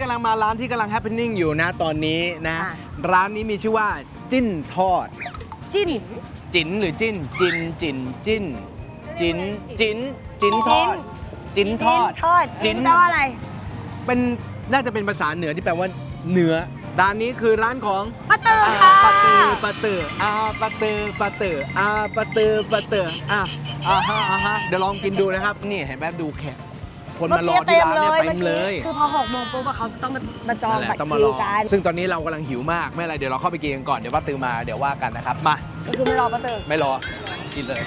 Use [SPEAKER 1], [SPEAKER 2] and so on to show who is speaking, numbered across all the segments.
[SPEAKER 1] ำลังมาร้านที่กำลัง happening อยู่นะตอนนี้นะร้านนี้มีชื่อว่าจิ้นทอด
[SPEAKER 2] จิ้น
[SPEAKER 1] จิ๋นหรือจิ้นจินจินจิ้นจิ้นจิ้นจิ้นทอดจิ้นทอด
[SPEAKER 2] จิ้นแปลว่าอะไร
[SPEAKER 1] เป็นน่าจะเป็นภาษาเหนือที่แปลว่าเนื้อร้านนี้คือร้านของ
[SPEAKER 2] ปะเตอร์ค่ะ
[SPEAKER 1] ปะเตอร์ปะเตอร์ปะเตอร์ปะเตอร์ปะเตอร์ปะเตอร์ฮะเดี๋ยวลองกินดูนะครับนี่เห็นแบบดูแขกคนมารอที่ร้านเนี่ยเต็มเลย
[SPEAKER 2] คือพอ6 โมงปุ๊บเขาจะต้องมาจองบัตรคิวกัน
[SPEAKER 1] ซึ่งตอนนี้เรากำลังหิวมากไม่อะไรเดี๋ยวเราเข้าไปกินกันก่อนเดี๋ยวป้าตือมาเดี๋ยวว่ากันนะครับมา
[SPEAKER 2] คือไม่รอป้าตือ
[SPEAKER 1] ไม่รอกินเลย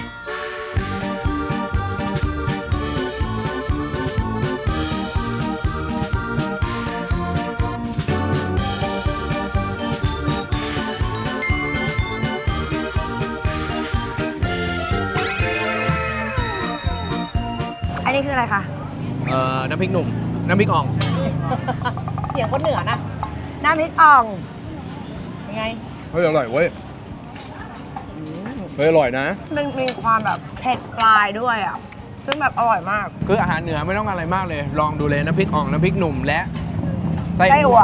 [SPEAKER 2] อันนี้คืออะไรคะ
[SPEAKER 1] น้ำพริกหนุ่มน้ำพริกอ่อง
[SPEAKER 2] เสียงคนเหนือนะน้ำพริกอ่องยังไง
[SPEAKER 1] เฮ้ยอร่อยเว้ยเฮ้ยอร่อยนะ
[SPEAKER 2] มันมีความแบบเผ็ดปลายด้วยอ่ะซึ่งแบบอร่อยมาก
[SPEAKER 1] คืออาหารเหนือไม่ต้องอะไรมากเลยลองดูเลยน้ำพริกอ่องน้ำพริกหนุ่มและ
[SPEAKER 2] ไส้อั่ว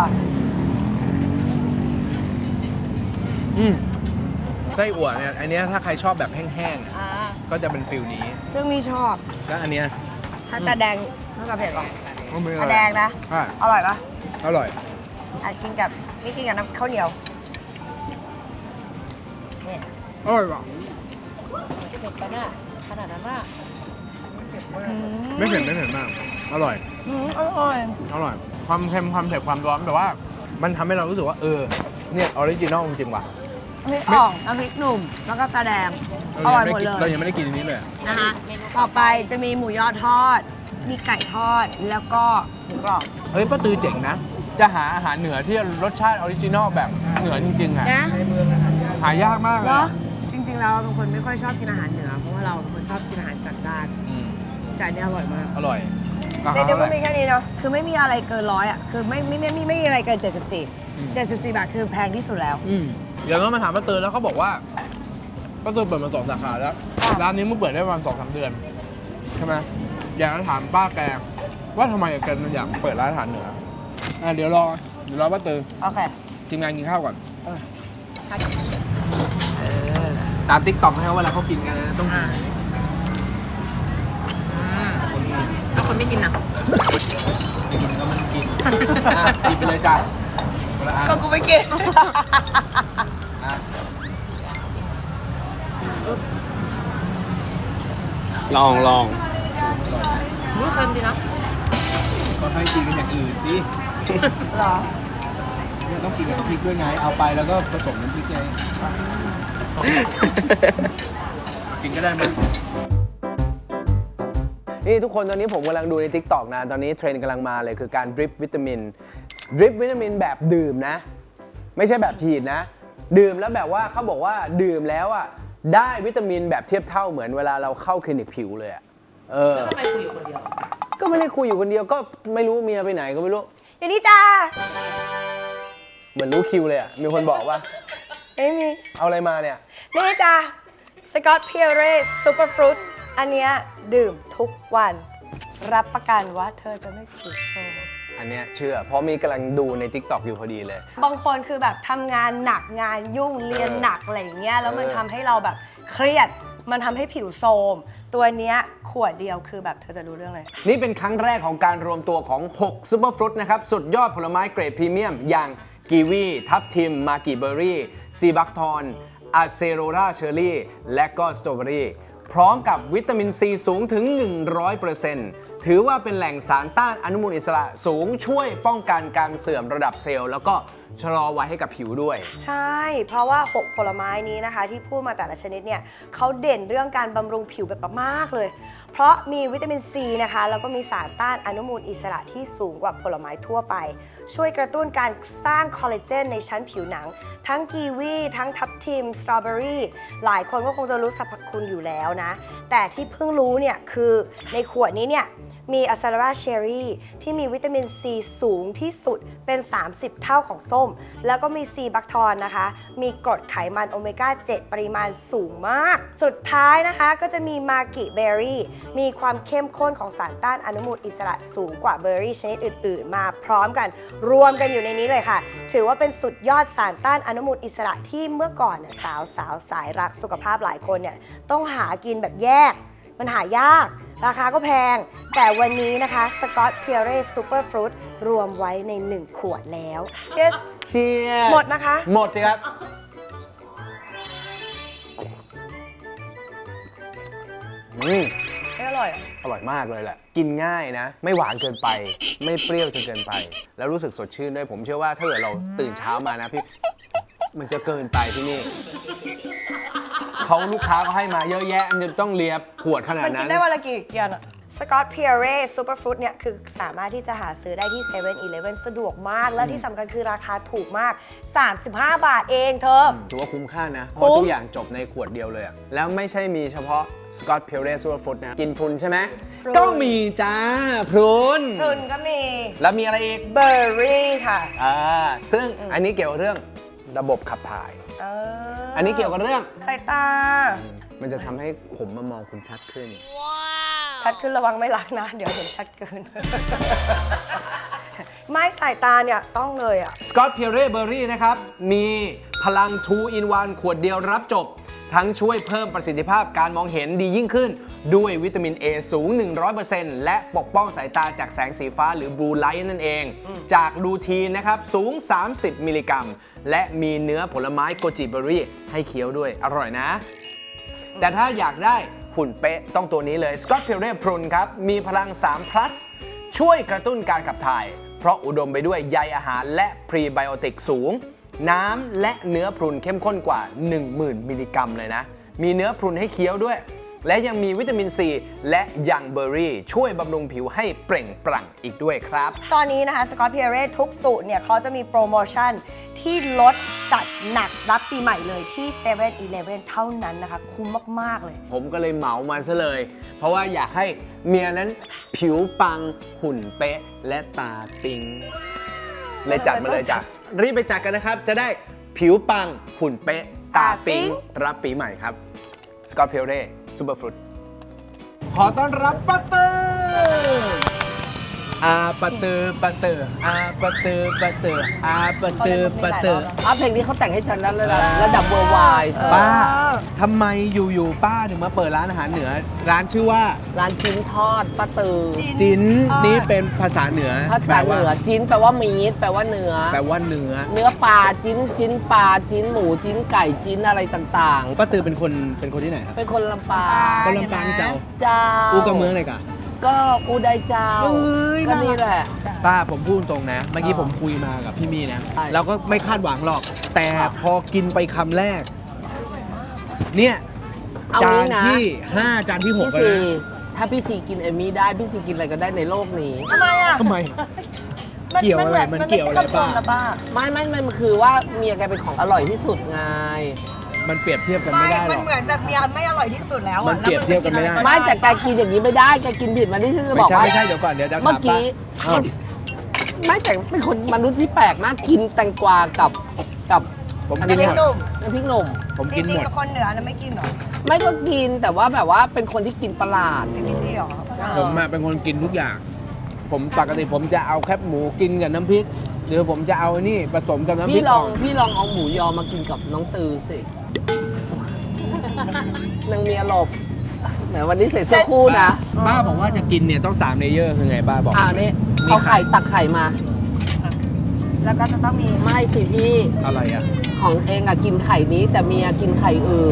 [SPEAKER 1] ไส้อั่วเนี่ยอันนี้ถ้าใครชอบแบบแห้งๆก็จะเป็นฟิลนี้
[SPEAKER 2] ซึ่งมีชอบ
[SPEAKER 1] แล้วอันเนี้ย
[SPEAKER 2] ถ้าตาแดงน่าจะเผ็ดหรอตาแดงนะ
[SPEAKER 1] อ
[SPEAKER 2] ร่อยปะ
[SPEAKER 1] อร่อย
[SPEAKER 2] กินกับน้ำข้าวเหนียว
[SPEAKER 1] อร่อยป่ะ
[SPEAKER 2] เผ็ดปะน่ะขนาดนั้นน่ะ
[SPEAKER 1] ไม่เผ็ดมากอร่อย
[SPEAKER 2] อร่อย
[SPEAKER 1] ความเค็มความเผ็ดความร้อนแต่ว่ามันทำให้เรารู้สึกว่าเนี่ยออริจินอลจริงๆว่ะ
[SPEAKER 2] น้ำพริกอ่องน้ำพริกหนุ่มแล้วก็ตาแดงอร่อยหมดเลย
[SPEAKER 1] เรายังไม่ได้กินอันนี้เลย
[SPEAKER 2] นะคะต่อไปจะมีหมูยอทอดมีไก่ทอดแล้วก็หมูกรอบ
[SPEAKER 1] เฮ้ยป้าตือเจ๋งนะจะหาอาหารเหนือที่รสชาติออริจินอลแบบเหนือจริงๆอ่ะหายากมากเลย
[SPEAKER 2] จริงๆเราเป็นคนไม่ค่อยชอบกินอาหารเหนือเพราะว่าเราเป็นคนชอบกินอาหารจัดจ้านจานนี้อร่อยมาก
[SPEAKER 1] อร่อย
[SPEAKER 2] เดี๋ยวมันมีแค่นี้เนาะคือไม่มีอะไรเกิน100อ่ะคือไม่มีอะไรเกิน74บาทคือแพงที่สุดแล้ว
[SPEAKER 1] เดี๋ยวก็มาถามป้าตือแล้วเขาบอกว่าป้าตือเปิดมา2 สาขาแล้วร้านนี้เพิ่งเปิดได้ประมาณ2-3 เดือนใช่ไหมอยากจะถามป้าแกว่าทำไมแกอยากเปิดร้านอาหารเหนือเดี๋ยวรอป้าตือ
[SPEAKER 2] โอเค
[SPEAKER 1] ทีมงานกินข้าวก่อนตามติ๊กต็อกนะครับเวลาเขากินกันนะต้อง
[SPEAKER 2] แล้วคนไม่กินนะ
[SPEAKER 1] ไม่กินก็มันกินกินไปเลยจ้ะ
[SPEAKER 2] ก็กูไม่กิน
[SPEAKER 1] ลอง
[SPEAKER 2] นี่เค็มดีนะ
[SPEAKER 1] ก็ให้กินกันอย่างอื่นดิ
[SPEAKER 2] หรอ
[SPEAKER 1] เนี่ยต้องกินกับน้ำพริกด้วยไงเอาไปแล้วก็ผสมน้ำพริกไงกินก็ได้มั้ยนี่ทุกคนตอนนี้ผมกำลังดูใน TikTok นะตอนนี้เทรนด์กำลังมาเลยคือการดริปวิตามินแบบดื่มนะไม่ใช่แบบฉีดนะดื่มแล้วแบบว่าเขาบอกว่าดื่มแล้วอ่ะได้วิตามินแบบเทียบเท่าเหมือนเวลาเราเข้าคลินิกผิวเลยอ่ะ
[SPEAKER 2] แล้วทำไมคุยอยู่คนเดียว
[SPEAKER 1] ก็ไม่ได้คุยอยู่คนเดียวก็ไม่รู้เมียไปไหนก็ไม่รู้
[SPEAKER 2] อย่างนี้จ้า
[SPEAKER 1] เหมือนรู้คิวเลยอ่ะมีคนบอกว่า
[SPEAKER 2] ไม่มี
[SPEAKER 1] เอาอะไรมาเนี่ย
[SPEAKER 2] นี่จ้าสกอตเพียเรสซูเปอร์ฟรุตอันเนี้ยดื่มทุกวันรับประกันว่าเธอจะไม่ผิดโซ
[SPEAKER 1] อันเนี้ยเชื่อเพราะมีกำลังดูใน TikTok อยู่พอดีเลย
[SPEAKER 2] บางคนคือแบบทำงานหนักงานยุ่งเรียนหนักอะไรอย่างเงี้ยแล้วมันทำให้เราแบบเครียดมันทำให้ผิวโทรมตัวเนี้ยขวดเดียวคือแบบเธอจะรู้เรื่องเลย
[SPEAKER 1] นี่เป็นครั้งแรกของการรวมตัวของ6ซูเปอร์ฟรุตนะครับสุดยอดผลไม้เกรดพรีเมียมอย่างกีวีทับทิมมากิเบอร์รี่ซีบักทอนอะเซโรราเชอร์รี่และก็สตรอเบอรี่พร้อมกับวิตามินซีสูงถึง 100%ถือว่าเป็นแหล่งสารต้านอนุมูลอิสระสูงช่วยป้องกันการเสื่อมระดับเซลล์แล้วก็ชะลอวัยให้กับผิวด้วย
[SPEAKER 2] ใช่เพราะว่า6ผลไม้นี้นะคะที่พูดมาแต่ละชนิดเนี่ยเขาเด่นเรื่องการบำรุงผิวแบบมากเลยเพราะมีวิตามินซีนะคะแล้วก็มีสารต้านอนุมูลอิสระที่สูงกว่าผลไม้ทั่วไปช่วยกระตุ้นการสร้างคอลลาเจนในชั้นผิวหนังทั้งกีวีทั้งทับทิมสตรอเบอรี่หลายคนก็คงจะรู้สรรพคุณอยู่แล้วนะแต่ที่เพิ่งรู้เนี่ยคือในขวดนี้เนี่ยมีอะซาลาราเชอรี่ที่มีวิตามินซีสูงที่สุดเป็น 30 เท่าของส้ม แล้วก็มีซีบัคทอนนะคะมีกรดไขมันโอเมก้า 7 ปริมาณสูงมากสุดท้ายนะคะก็จะมีมากิเบอร์รี่มีความเข้มข้นของสารต้านอนุมูลอิสระสูงกว่าเบอร์รี่ชนิดอื่นๆ มาพร้อมกันรวมกันอยู่ในนี้เลยค่ะถือว่าเป็นสุดยอดสารต้านอนุมูลอิสระที่เมื่อก่อนเนี่ยสาวสายรักสุขภาพหลายคนเนี่ยต้องหากินแบบแยกมันหายากราคาก็แพงแต่วันนี้นะคะสกอตเพียเร่ซูเปอร์ฟรุตรวมไว้ใน1ขวดแล้วเชียร์
[SPEAKER 1] เชียร์
[SPEAKER 2] หมดนะคะ
[SPEAKER 1] หมดสิครับ
[SPEAKER 2] ไม่อร่อยอ่ะ
[SPEAKER 1] อร่อยมากเลยแหละ กินง่ายนะ ไม่หวานเกินไป ไม่เปรี้ยวจนเกินไป แล้วรู้สึกสดชื่นด้วย ผมเชื่อว่าถ้าเกิดเราตื่นเช้ามานะพี่ มันจะเกินไปที่นี่ เขาลูกค้าก็ให้มาเยอะแยะ มันจะต้องเลียขวดขนาด
[SPEAKER 2] มัน
[SPEAKER 1] นั้
[SPEAKER 2] กิ
[SPEAKER 1] น
[SPEAKER 2] นได้วันละกี่เกียนอะสกอตเพียเร่ซูเปอร์ฟรุตเนี่ยคือสามารถที่จะหาซื้อได้ที่7 e เ e ่ e สะดวกมาก และที่สำคัญคือราคาถูกมาก 35 บาทเองเธอ
[SPEAKER 1] ถือว่าคุ้มค่านะ เพ
[SPEAKER 2] คุ้
[SPEAKER 1] ราะ
[SPEAKER 2] ม
[SPEAKER 1] ทุกอย่างจบในขวดเดียวเลยอะแล้วไม่ใช่มีเฉพาะสกอตเพียวเรสซูเปอร์ฟรุตนะ กินพรุนใช่ไหม ก็มีจ้าพรุน
[SPEAKER 2] พรุนก็มี
[SPEAKER 1] แล้วมีอะไรอีก
[SPEAKER 2] เบอร์รี่ค่ะ
[SPEAKER 1] ซึ่งอันนี้เกี่ยวกับเรื่องระบบขับถ่าย อันนี้เกี่ยวกับเรื่อง
[SPEAKER 2] สายตา
[SPEAKER 1] มันจะทำให้ผมมามองคุณชัดขึ้น
[SPEAKER 2] ชัดขึ้นระวังไม่รักนะ เดี๋ยวเห็นชัดเกิน ไม่สายตาเนี่ยต้องเลยอ่ะ
[SPEAKER 1] สกอตเพียเร่เบอร์รี่นะครับ มีพลัง 2 in 1 ขวดเดียวรับจบ ทั้งช่วยเพิ่มประสิทธิภาพการมองเห็นดียิ่งขึ้น ด้วยวิตามิน A สูง 100% และปกป้องสายตาจากแสงสีฟ้าหรือบลูไลท์นั่นเอง จากลูทีนนะครับ สูง 30 มิลลิกรัม และมีเนื้อผลไม้โกจิเบอร์รี่ให้เคี้ยวด้วย อร่อยนะ แต่ถ้าอยากได้หุ่นเป๊ะต้องตัวนี้เลย Scott Pure Prune ครับ มีพลัง3 plus ช่วยกระตุ้นการขับถ่าย เพราะอุดมไปด้วยใยอาหารและพรีไบโอติกสูง น้ำและเนื้อพรุนเข้มข้นกว่า 10,000 มิลลิกรัมเลยนะ มีเนื้อพรุนให้เคี้ยวด้วย และยังมีวิตามินซีและยังเบอร์รี่ช่วยบำรุงผิวให้เปล่งปลั่งอีกด้วยครับ
[SPEAKER 2] ตอนนี้นะคะสกอตเพียเร่ทุกสูตรเนี่ยเขาจะมีโปรโมชั่นที่ลดจัดหนักรับปีใหม่เลยที่7 e เ e ่ e เท่านั้นนะคะ คุ้มมาก ๆ เลย
[SPEAKER 1] ผมก็เลยเหมามาซะเลย เพราะว่าอยากให้เมียนั้นผิวปังหุ่นเป๊ะและตาปิ๊งเลยจัดมาเลยจ้ะรีบไปจัดกันนะครับ จะได้ผิวปังหุ่นเป๊ะตาปิ๊งรับปีใหม่ครับ Scott Pure Super Fruit ขอต้อนรับป้าเตอร์ป้าเตอร์ป้าเตอร์ป้าเตอร์ป้าเตอร์ป้าเตอร์ป้าเตอร์
[SPEAKER 3] เพลงนี้เขาแต่งให้ฉันนั้นเลยนะระดับเวอร์ไวด์
[SPEAKER 1] ป้าทำไมอยู่ๆป้าถึงมาเปิดร้านอาหารเหนือ ร้านชื่อว่า
[SPEAKER 3] ร้านจิ้นทอดป้าตือ
[SPEAKER 1] จิ้นนี่เป็นภาษาเหนือ
[SPEAKER 3] ภาษาเหนือจิ้นแปลว่ามีดแปลว่าเนื้อ
[SPEAKER 1] แปลว่าเนื้อ
[SPEAKER 3] เนื้อปลาจิ้นปลาจิ้นหมูจิ้นไก่จิ้นอะไรต่าง
[SPEAKER 1] ป้าตือเป็นคนที่ไหนครับ
[SPEAKER 3] ๆ เป็นคนลำปาง
[SPEAKER 1] คนลำปางเจ้า
[SPEAKER 3] เจ้า
[SPEAKER 1] อูกับเมืองเลยกะ
[SPEAKER 3] ก็อูได้เจ้า
[SPEAKER 1] เอ้ย
[SPEAKER 3] ก็นี่แหละ
[SPEAKER 1] ป้าผมพูดตรงนะ เมื่อกี้ผมคุยมากับพี่มี่นะ
[SPEAKER 3] ใช่
[SPEAKER 1] เราก็ไม่คาดหวังหรอก แต่พอกินไปคำแรก เนี่ย
[SPEAKER 3] เอา
[SPEAKER 1] จา
[SPEAKER 3] นี้
[SPEAKER 1] น
[SPEAKER 3] นะ
[SPEAKER 1] ที่ 5 จานที่
[SPEAKER 3] พี่
[SPEAKER 1] 6 แล้ว
[SPEAKER 3] ซี
[SPEAKER 1] นะ
[SPEAKER 3] ถ้าพี่ซีกินเอมมี่ได้พี่ซีกินอะไรก็ได้ในโลกนี้
[SPEAKER 2] ทำไมอ่ะ
[SPEAKER 1] ทำไม เกี่ยวอะไรมันเกี่ยวอะไร
[SPEAKER 2] ไม่ใช่คำชมนะป้า
[SPEAKER 3] ไม่มันคือว่าเมียแกเป็นของอร่อยที่สุดไง
[SPEAKER 1] มันเปรียบเทียบกันไม่ได้หรอก
[SPEAKER 2] เหมือนแบบเมียไม่อร่อยที่สุดแล้ว
[SPEAKER 1] มันเปรียบเทียบกันไม่ได้
[SPEAKER 3] ไม่แต่แกกินอย่างนี้ไม่ได้แกกินผิดมาที่ฉันจะบอกว่า
[SPEAKER 1] ไม่ใช่เดี๋ยวก่อนเดี๋ยวจะถาม
[SPEAKER 3] เมื่อกี้
[SPEAKER 1] ป้า
[SPEAKER 3] ไม่แต่เป็นคนมนุษย์ที่แปลกมากกินแตงกวากับ
[SPEAKER 1] ผม
[SPEAKER 3] อัน
[SPEAKER 1] กิ
[SPEAKER 3] นี้
[SPEAKER 1] นหมด
[SPEAKER 3] น้ำพริกหนุ่ม
[SPEAKER 1] ผม
[SPEAKER 2] จ
[SPEAKER 1] กิน
[SPEAKER 2] ริ
[SPEAKER 1] ห
[SPEAKER 2] ง
[SPEAKER 1] มด
[SPEAKER 2] ๆคนเหนือนะไม่กินหรอ
[SPEAKER 3] ไม่ก็กินแต่ว่าแบบว่าเป็นคนที่กินประหลาด
[SPEAKER 2] ไม่ใช่หรอ
[SPEAKER 1] ผมอะเป็นคนกินทุกอย่าง ผมปกติผมจะเอาแคบหมูกินกับน้ำพริก หรือผมจะเอานี่ผสมกับน้ำพริ
[SPEAKER 3] พี่
[SPEAKER 1] ก
[SPEAKER 3] ลอง
[SPEAKER 1] อ่อน
[SPEAKER 3] พี่ลองเอาหมูยอมากินกับน้องตือสินางเมียหลบแหมวันนี้ใส่เสื้อคู่นะ
[SPEAKER 1] ป้าบอกว่าจะกินเนี่ยต้อง3เลเยอร์คือไงป้าบอก
[SPEAKER 3] นี่
[SPEAKER 1] มี
[SPEAKER 3] เอา
[SPEAKER 1] ไข่
[SPEAKER 3] ไข่ตักไข่มา
[SPEAKER 2] แล้วก็จะต้องมี
[SPEAKER 3] ไม่สิพี่
[SPEAKER 1] อะไรอ่ะ
[SPEAKER 3] ของเองอะกินไข่นี้ แต่เมียกินไข่อื่น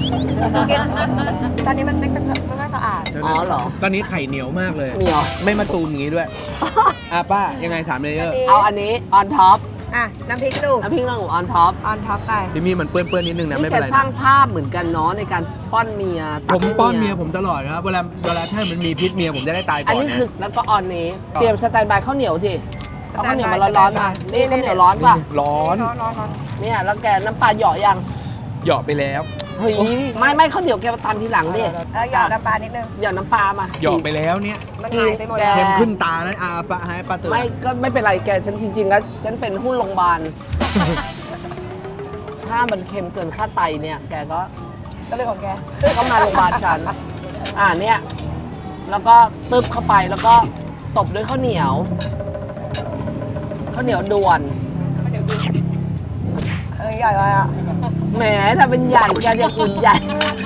[SPEAKER 2] ตอนนี้มันไม่ค่อยสะอาด
[SPEAKER 3] อ๋อเหรอ
[SPEAKER 1] ตอนนี้ไข่เหนียวมากเลย
[SPEAKER 3] เหนียว
[SPEAKER 1] ไม่มาตูมอย่างนี้ด้วย ป้ายังไง3เลเยอร์
[SPEAKER 3] เอาอันนี้ออนท็อป
[SPEAKER 2] อ่ะ น้ำพริกหนุ่ม
[SPEAKER 3] น้ำพริกหนุ่มออนท็อป
[SPEAKER 2] ออนท็อปไป
[SPEAKER 1] พี่มีมันเปื้อนๆนิดนึงนะ
[SPEAKER 3] นี่
[SPEAKER 1] ไม่
[SPEAKER 3] แก
[SPEAKER 1] เป็นไร
[SPEAKER 3] สร้าง
[SPEAKER 1] นะ
[SPEAKER 3] ภาพเหมือนกันเนาะในการป้อนเมียตั
[SPEAKER 1] ผ
[SPEAKER 3] ก
[SPEAKER 1] ม
[SPEAKER 3] ให้
[SPEAKER 1] ป้อนเมียผมตลอดนะครับเวลาถ้ามันมีพิษเมียผมจะได้ตายก่
[SPEAKER 3] อั
[SPEAKER 1] อน น
[SPEAKER 3] นี้
[SPEAKER 1] นะ
[SPEAKER 3] คือแล้วก็ออนนี้ เตรียมสแตนบายข้าวเหนียวสิเอาข้าวเหนียวมา
[SPEAKER 2] สแตนบาย
[SPEAKER 3] ร้อนๆมา นี่ข้าวเหนียวร้อนป่ะ
[SPEAKER 1] ร้อน
[SPEAKER 2] ร้อน
[SPEAKER 3] เนี่ยแล้วแกน้ำปลาเหยาะยัง
[SPEAKER 1] เหยาะไปแล้ว
[SPEAKER 3] เฮ้ยไม่ข้าวเหนียวแกมาตามทีหลังดิ
[SPEAKER 2] หยอดน้ำปลานิดนึง
[SPEAKER 3] หยอดน้ำปลามา
[SPEAKER 1] เหยาะไปแล้วเนี่ย
[SPEAKER 2] มันหายไปหมดแล้ว
[SPEAKER 1] เค็มขึ้นตาแล้วปะให้ป้าเตือน
[SPEAKER 3] ไม่ก็ไม่เป็นไรแกฉันจริงๆแล้วฉันเป็นหุ้นโรงพยาบาล ถ้ามันเค็มเกินค่าไตเนี่ย แกก็
[SPEAKER 2] ก็เลยของแก
[SPEAKER 3] ก็มาโรงพยาบาลฉันเนี่ยแล้วก็ตึบเข้าไปแล้วก็ตบด้วยข้าวเหนียวด่วน
[SPEAKER 2] ใหญ่ไปอ่ะ
[SPEAKER 3] แหมถ้าเป็นใหญ่แกจะกินใหญ่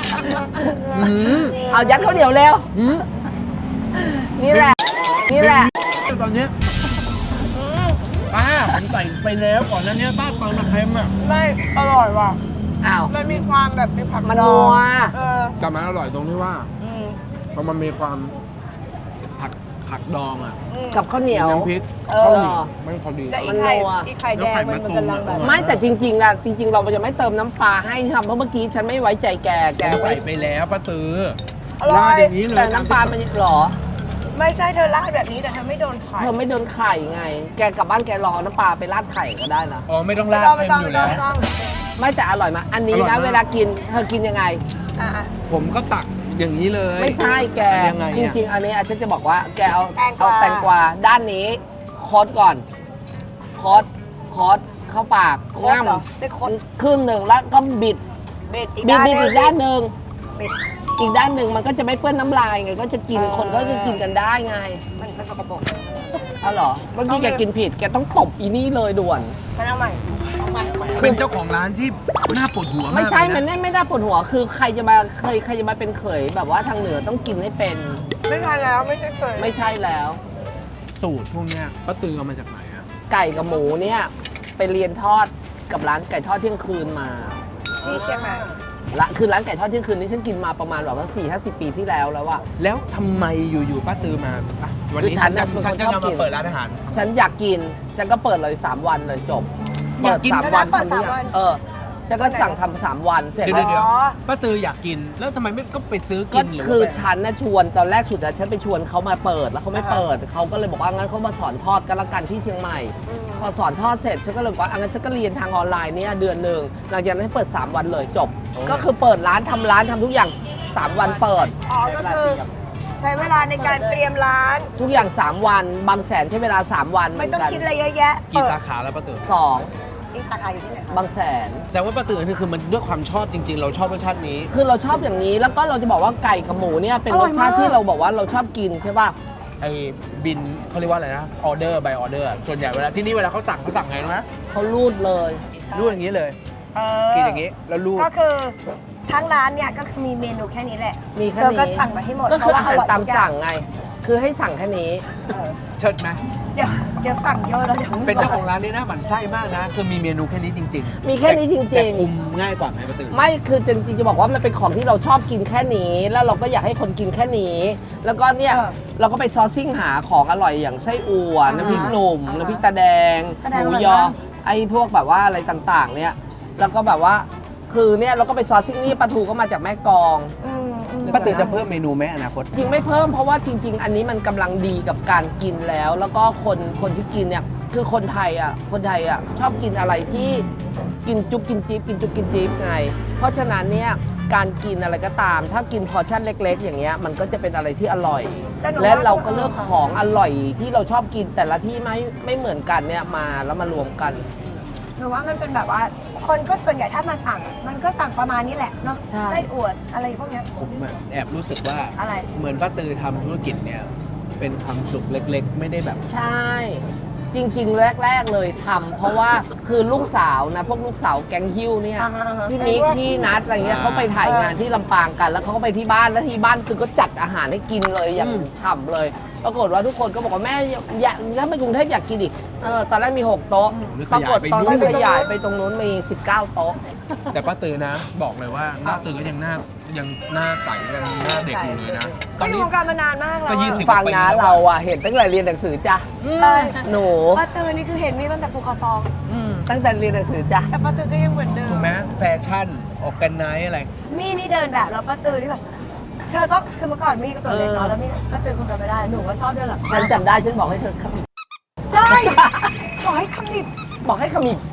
[SPEAKER 3] เอายัดข้าวเหนียวเร็วนี่แหละ
[SPEAKER 1] ตอนเนี้ยป้าผมใส่ไปแล้วก่อนนั้นเนี้ยป้าเติมมาเค็มอ่ะ
[SPEAKER 2] ไม่อร่อยว่ะ
[SPEAKER 3] อ้าว
[SPEAKER 2] มันมีความแบบมีผัก
[SPEAKER 3] มัน
[SPEAKER 2] ด
[SPEAKER 3] นั
[SPEAKER 2] อง
[SPEAKER 3] ว
[SPEAKER 1] แต่มันอร่อยตรงที่ว่าพอมันมีความผักดองอ่ะ
[SPEAKER 3] กับข้าวเหนียว
[SPEAKER 1] น้ำพริก
[SPEAKER 3] เออ
[SPEAKER 1] ข้าวเหนียวไม่พอดี
[SPEAKER 2] แต่อี
[SPEAKER 3] มัน
[SPEAKER 2] ไข่
[SPEAKER 3] นัว
[SPEAKER 2] อีไข่แดงมันกำลังแบบ
[SPEAKER 3] ไม่แต่จริงๆนะจริง ๆ เราจะไม่เติมน้ำปลาให้ทำเพราะเมื่อกี้ฉันไม่ไว้ใจแก
[SPEAKER 1] ใส่ไปแล้วป้าตือ
[SPEAKER 2] อร่อย
[SPEAKER 1] ราดอย่างนี้เลย
[SPEAKER 3] แต่น้ำปลามันหรอ
[SPEAKER 2] ไม่ใช่เธอราดแบบนี้แต่เธอไม่โดนไข่
[SPEAKER 3] เธอไม่โดนไข่ไง แกกลับบ้านแกรอน้ำปลาไปราดไข่ก็ได้นะ
[SPEAKER 1] อ๋อไม่ต้องราด
[SPEAKER 2] ไม่
[SPEAKER 1] เค็ม
[SPEAKER 2] ต้อง
[SPEAKER 1] อยู่
[SPEAKER 2] ไม่
[SPEAKER 1] แล้ว
[SPEAKER 2] ต้อง
[SPEAKER 3] ไม่แต่อร่อยมากอันนี้
[SPEAKER 1] อร่อย
[SPEAKER 3] นะ
[SPEAKER 1] มาก
[SPEAKER 3] เวลากินเธอกินยังไง
[SPEAKER 2] อ่ะ
[SPEAKER 1] ผมก็ตักอย่างนี้เลย
[SPEAKER 3] ไม่ใช่แก
[SPEAKER 1] ยังไง
[SPEAKER 3] จ
[SPEAKER 1] เนี่ย
[SPEAKER 3] ริง ๆ อันนี้อาจารย์จะบอกว่าแกเอา
[SPEAKER 2] แตงกวา
[SPEAKER 3] แตงกวาด้านนี้คอสก่อนคอสเข้าปาก
[SPEAKER 2] โคตรเหรอได้โคตร
[SPEAKER 3] ครึ่งหนึ่งแล้วก็บิด
[SPEAKER 2] เบ็ดอีก
[SPEAKER 3] บิด
[SPEAKER 2] ด้าน
[SPEAKER 3] บิดอีกด้านหนึ่ง
[SPEAKER 2] เบ็ด
[SPEAKER 3] อีกด้านหนึ่งมันก็จะไม่เปื้อนน้ำลายไงก็จะกิน คนก็จะกินกันได้ไง
[SPEAKER 2] มันสกปรก
[SPEAKER 3] อ๋อเหรอเมื่อกี้แกกินผิดแกต้องตบอีนี่เลยด่วน
[SPEAKER 2] มันเอาใหม่เอาใหม่
[SPEAKER 1] เป็นเจ้าของร้านที่น่าปวดหัวมาก
[SPEAKER 3] ไม่ใช่
[SPEAKER 1] เลยะ
[SPEAKER 3] มันไม่ได้ปวดหัว คือใครจะมาเป็นเขยแบบว่าทางเหนือต้องกินให้เป็น
[SPEAKER 2] ไม่ใช่แล้วไม่ใช่เคย
[SPEAKER 3] ไม่ใช่แล้ว
[SPEAKER 1] สูตรพวกเนี้ยป้าตือเอามาจากไหนอ่ะ
[SPEAKER 3] ไก่กับหมูเนี่ยไปเรียนทอดกับร้านไก่ทอดเที่ยงคืนมา
[SPEAKER 2] ที่เชียงใหม่
[SPEAKER 3] คือร้านไก่ทอดเที่ยงคืนนี้ฉันกินมาประมาณแบบว่า4-50 ปีที่แล้วแล้วอะ
[SPEAKER 1] แล้วทำไมอยู่ๆป้าตือมาอ่ะวันนี้
[SPEAKER 3] คือฉั
[SPEAKER 1] ฉั
[SPEAKER 3] น
[SPEAKER 1] น
[SPEAKER 3] น่ะ
[SPEAKER 1] จะ
[SPEAKER 3] เป็นคน
[SPEAKER 1] ฉันจะ
[SPEAKER 3] ชอบกิ
[SPEAKER 1] มาน เปิดร้านอาหาร
[SPEAKER 3] ฉันอยากกิน ฉันก็เปิดเลย 3 วันเลยจบ
[SPEAKER 1] อยากกิน
[SPEAKER 3] 3 วัน
[SPEAKER 2] เปิด
[SPEAKER 3] ทำทุก
[SPEAKER 2] 3
[SPEAKER 3] อย่า
[SPEAKER 2] วั
[SPEAKER 3] ง
[SPEAKER 2] น
[SPEAKER 3] ฉันก็สั่งทำ3 วันเสร็จ
[SPEAKER 1] เดี๋
[SPEAKER 3] แล้
[SPEAKER 1] ยว
[SPEAKER 3] ว
[SPEAKER 1] เดี๋ยว
[SPEAKER 2] อ๋อ
[SPEAKER 1] ป้าตืออยากกิน แล้วทำไมไม่ก็ไปซื้อ
[SPEAKER 3] ก็
[SPEAKER 1] กินหรือ
[SPEAKER 3] คือ
[SPEAKER 1] ว่าไป
[SPEAKER 3] ฉันนะชวนตอนแรกสุดอะฉันไปชวนเขามาเปิดแล้วเขาไม่เปิดเขาก็เลยบอกว่างั้นเขามาสอนทอดกันละกันที่เชียงใหม่ พอสอนทอดเสร็จฉันก็เลยบอกว่างั้นฉันก็เรียนทางออนไลน์เนี่ยเดือนหนึ่งหลังจากนั้นให้เปิด 3 วันเลยจบ ก็คือเปิดร้านทำทุกอย่าง 3 วันเปิด
[SPEAKER 2] อ๋อก็คือใช้เวลาในการเตรียมร้าน
[SPEAKER 3] ทุกอย่าง 3 วัน บางแสนใช้เวลา 3 วันเห
[SPEAKER 2] ไม่
[SPEAKER 3] มือน
[SPEAKER 2] ต้อง
[SPEAKER 3] กัน
[SPEAKER 2] คิดอะไรเยอะแยะ
[SPEAKER 1] กี่
[SPEAKER 2] เปิด
[SPEAKER 1] สาขาแล้วป้าตือ
[SPEAKER 3] สอง
[SPEAKER 2] ที่สาขาอยู่ที่ไหนคะ
[SPEAKER 3] บางแสน
[SPEAKER 1] แสดงว่าป้าตือนี่คือมันด้วยความชอบจริง ๆ เราชอบรสชาตินี้
[SPEAKER 3] คือเราชอบอย่างนี้แล้วก็เราจะบอกว่าไก่กับหมูเนี่ยเป็นรสชาติที่เราบอกว่าเราชอบกินใช่ป่ะ
[SPEAKER 1] ไอ้บินเขาเรียกว่าอะไรนะออเดอร์ใบออเดอร์ส่วนใหญ่เวลาที่นี่เวลาเขาสั่งไงรู้ไหม
[SPEAKER 3] เขารูดเลย
[SPEAKER 1] รูดอย่างนี้เลย
[SPEAKER 2] เอ
[SPEAKER 1] กินอย่างนี้แล้วรูด
[SPEAKER 2] ก็คือทั้งร้านเนี่ยก็คือมีเมนูแค่นี้แหละ
[SPEAKER 3] มีแค่
[SPEAKER 2] เธอ
[SPEAKER 3] นี้
[SPEAKER 2] ก็สั่งมาให้หมด
[SPEAKER 3] ก็คืออาหาร
[SPEAKER 2] เพะว่
[SPEAKER 3] ตาม
[SPEAKER 2] ทุกอย่
[SPEAKER 3] สั่งไง คือให้สั่งแค่นี้
[SPEAKER 1] เชิดไหม
[SPEAKER 2] เดี๋ยวสั่งเยอะแล้วเดี๋ยวไม่
[SPEAKER 1] เป็นเจ้าของ
[SPEAKER 2] ไหว
[SPEAKER 1] ร้านนี่นะหมั่นไส้มากนะ คือมีเมนูแค่นี้จริงๆ
[SPEAKER 3] มีแค่นี้จริงๆ
[SPEAKER 1] แต่คุมง่ายกว่าไหมป้าตือ
[SPEAKER 3] ไม่คือจริงๆจะบอกว่ามันเป็นของที่เราชอบกินแค่นี้ แล้วเราก็อยากให้คนกินแค่นี้ แล้วก็เนี่ยเราก็ไปซอร์ซิ่งหาของอร่อยอย่างไส้อั่วน้ำพริกหนุ่มน้ำพริกตาแดงหมูยอไอ้พวกแบบว่าอะไรต่างๆ เนี่ยแล้วก็แบบว่าคือเนี่ยเราก็ไปซอร์ซิ่งนี่ปลาทูก็มาจากแม่กลอง
[SPEAKER 1] ป้าตือจะเพิ่มเมนูไหมอนาคต
[SPEAKER 3] จริงไม่เพิ่มเพราะว่าจริง ๆ อันนี้มันกำลังดีกับการกินแล้ว แล้วก็คนที่กินเนี่ยคือคนไทยอ่ะชอบกินอะไรที่กินจุ๊บกินจิ๊บกินจุ๊บกินจิ๊บไงเพราะฉะนั้นเนี่ยการกินอะไรก็ตาม ถ้ากินพอร์ชั่นเล็ก ๆ อย่างเงี้ยมันก็จะเป็นอะไรที่อร่อย และเราก็เลือกของอร่อยที่เราชอบกินแต่ละที่ไม่เหมือนกันเนี่ยมาแล้วมารวมกัน
[SPEAKER 2] หรือว่ามันเป็นแบบว่าคนก็ส่วนใหญ่ถ้ามาสั่งมันก็สั่งประมาณนี้แหละเนาะ
[SPEAKER 3] ใช่
[SPEAKER 2] ไส้อวดอะไรพวกเนี้ย
[SPEAKER 1] ผมแอบรู้สึกว่า
[SPEAKER 2] อะไร
[SPEAKER 1] เหมือนป้าตือทำธุรกิจเนี่ย เป็นความสุขเล็กๆ ไม่ได้แบบ
[SPEAKER 3] ใช่ จริง ๆ แรก ๆ เลยทำเพราะว่าคือลูกสาวนะพวกลูกสาวแก๊งฮิ้วเนี่ย พี่มิกพี่นัทอะไรเงี้ยเขาไปถ่ายงานที่ลำปางกัน แล้วเขาก็ไปที่บ้านแล้วที่บ้านคือก็จัดอาหารให้กินเลยอย่างฉ่ำเลยปรากฏว่าทุกคนก็บอกว่าแม่อยากถ้าไปกรุงเทพอยากกินอีกตอนแรกมี 6 โต๊ะ
[SPEAKER 1] หรือ
[SPEAKER 3] ปรากฏตอนที่
[SPEAKER 1] ข
[SPEAKER 3] ข
[SPEAKER 1] ยาย
[SPEAKER 3] ยาย
[SPEAKER 1] ไป
[SPEAKER 3] ไปตรงนู้นมี 19 โต๊ะ
[SPEAKER 1] แต่ป้าตือนะ บอกเลยว่าหน้าตือก็ยังหน้าใสยังหน้าเด็กอยู่เลยนะ ต
[SPEAKER 2] ก็
[SPEAKER 1] อน
[SPEAKER 2] อยู่
[SPEAKER 1] นี้
[SPEAKER 2] วงการมานานมากแล้ว
[SPEAKER 1] ก็
[SPEAKER 2] อะ
[SPEAKER 1] 20
[SPEAKER 3] ฟังนะเราอะเห็นตั้งแต่เรียนหนังสือจ้ะ
[SPEAKER 2] ใช่
[SPEAKER 3] หนู
[SPEAKER 2] ป้าตือนี่คือเห็นมีตั้งแต่ภูเขาซอง
[SPEAKER 3] ตั้งแต่เรียนหนังสือจ้ะ
[SPEAKER 2] แต่ป้าตือก็ยังเหมือนเดิม
[SPEAKER 1] ถูกไหมแฟชั่นออกกันไนอะไร
[SPEAKER 2] มี่นี่เดินแบบแล้วป้าตือนี่แบบเธอก็คือเมื่อก่อนมี่ก็ตัวเล็กเนาะแล้วมี่ป้าตือคงจำไม่ได้หนูก็ชอบเดินแบบ
[SPEAKER 3] ฉันจำได้ฉันบอกให้เธอขมิบ
[SPEAKER 2] ใช่ขอให้ขมิบ
[SPEAKER 3] บอกให้ขมิบ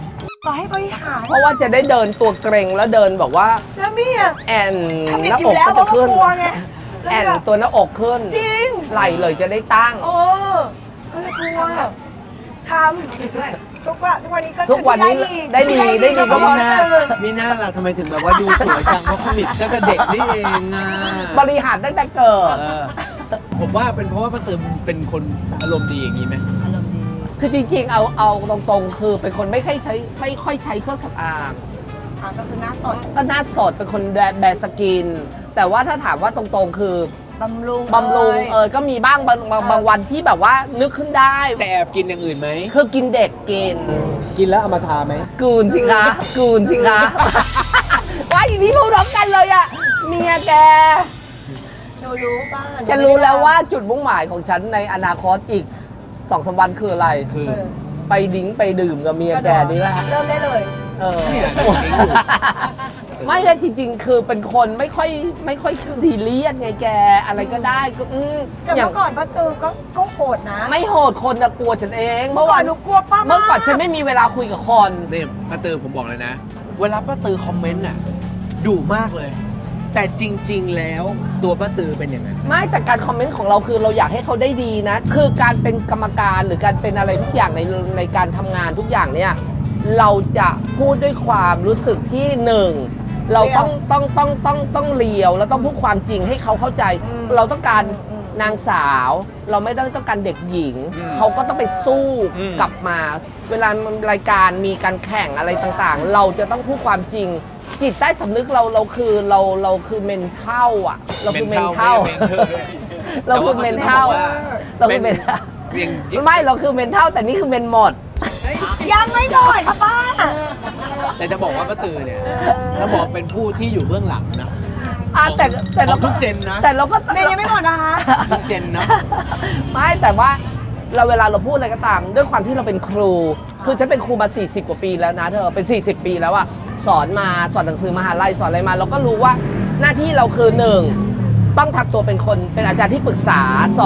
[SPEAKER 2] ต่อให้บริหาร
[SPEAKER 3] เพราะว่าจะได้เดินตัวเกรงแล้วเดินบอกว่า
[SPEAKER 2] แล้วมี่อ่ะ
[SPEAKER 3] แอน
[SPEAKER 2] ทำ
[SPEAKER 3] ห
[SPEAKER 2] อีก
[SPEAKER 3] น้า
[SPEAKER 2] อยู่
[SPEAKER 3] อก
[SPEAKER 2] แล้ว
[SPEAKER 3] ก็
[SPEAKER 2] เพ
[SPEAKER 3] จะ
[SPEAKER 2] ราะว่า
[SPEAKER 3] ขึ้น
[SPEAKER 2] กลัวไง
[SPEAKER 3] แอนตัวหน้าอกขึ้น
[SPEAKER 2] จริง
[SPEAKER 3] ไหลเลยจะได้ตั้ง
[SPEAKER 2] โอ้ก็เลยกลัวทำทุกวันนี้ก็
[SPEAKER 3] ทุกวันนี้ได้ดีก็เพราะ
[SPEAKER 1] มีหน้าล่ะทำไมถึงแบบว่าดูสวยจังเพราะคอมิกก็จะเด็กนี่เองอ่ะ
[SPEAKER 3] บริหารตั้งแต่เกิด
[SPEAKER 1] ผมว่าเป็นเพราะว่าป้าตือเป็นคนอารมณ์ดีอย่างนี้ไหม
[SPEAKER 3] คือจริงๆ เอาตรงๆ คือเป็นคนไม่ค่อยใช้เครื่องสำอาง
[SPEAKER 2] ก็คือหน้าสด
[SPEAKER 3] ก็หน้าสดเป็นคนแบร์สกิน แต่ว่าถ้าถามว่าตรงๆ คือบ
[SPEAKER 2] ำรุง
[SPEAKER 3] ก็มีบ้างบางวันที่แบบว่านึกขึ้นได้
[SPEAKER 1] แต่แอบกินอย่างอื่นไหม
[SPEAKER 3] คือกินเด็กกิน
[SPEAKER 1] กินแล้วเอามาทาไหม
[SPEAKER 3] กูนสิคะกูนสิคะว่าอย่างนี้พูดพร้อมกันเลยอะเมียแก
[SPEAKER 2] หนูรู้ป่ะ
[SPEAKER 3] ฉันรู้แล้วว่าจุดมุ่งหมายของฉันในอนาคตอีก2-3 วันคืออะไร
[SPEAKER 1] คือ
[SPEAKER 3] ไปดิ้งไปดื่มกับเมียแกนี่แหละ
[SPEAKER 2] เริ่มได้เลย
[SPEAKER 3] เออ
[SPEAKER 1] เนี่ย
[SPEAKER 3] ไม่เลยจริงๆ คือเป็นคนไม่ค่อยซีเรียสไงแก อะไรก็ได้ก็
[SPEAKER 2] แต่
[SPEAKER 3] อย่าง
[SPEAKER 2] เมื่อก่อนป้าตือก็โหดนะ
[SPEAKER 3] ไม่โหดคนนะกลัวฉันเอง
[SPEAKER 2] เมื่อก่อนหนูกลัวป้ามาก
[SPEAKER 3] เมื่อก่อนฉันไม่มีเวลาคุยกับคน
[SPEAKER 1] นี่ป้าตือผมบอกเลยนะ เวลาป้าตือคอมเมนต์น่ะดุมากเลย แต่จริง ๆ แล้วตัวป้าตือเป็นอย่างนั้น
[SPEAKER 3] ไม่แต่การคอมเมนต์ของเราคือเราอยากให้เขาได้ดีนะ คือการเป็นกรรมการหรือการเป็นอะไรทุกอย่างในการทำงานทุกอย่างเนี่ยเราจะพูดด้วยความรู้สึกที่หนึ่งเราต้องเลียวแล้วต้องพูดความจริงให้เขาเข้าใจ เราต้องการนางสาว เราไม่ต้องการเด็กหญิง เขาก็ต้องไปสู้กลับมา เวลารายการมีการแข่งอะไรต่างๆ เราจะต้องพูดความจริง จิตใต้สำนึกเราคือเมนเท่าอ่ะเราคือเมนเท่า เราคือเมนเท่าเราคือเมนเท่าไม่เราคือเมนเท่าแต่นี่คือเมนหมด
[SPEAKER 2] ยังไม่หมดค่ะป้า
[SPEAKER 1] แต่จะบอกว่าป้าตือเนี่ยถ้าบอกเป็นผู้ที่อยู่เบื้องหลังนะ
[SPEAKER 3] แต่เรา
[SPEAKER 1] ของทุกเจนนะ
[SPEAKER 3] แต่เราก็
[SPEAKER 2] เมย์ยังไม่หมดนะคะ
[SPEAKER 1] ทุกเจนนะ
[SPEAKER 3] ไม่แต่ว่าเราเวลาเราพูดอะไรก็ตามด้วยความที่เราเป็นครู คือฉันเป็นครูมา 40 กว่าปีแล้วนะเธอเป็น 40 ปีแล้วอะสอนหนังสือมหาลัยสอนอะไรมาเราก็รู้ว่าหน้าที่เราคือ 1. ต้องทำตัวเป็นคนเป็นอาจารย์ที่ปรึกษา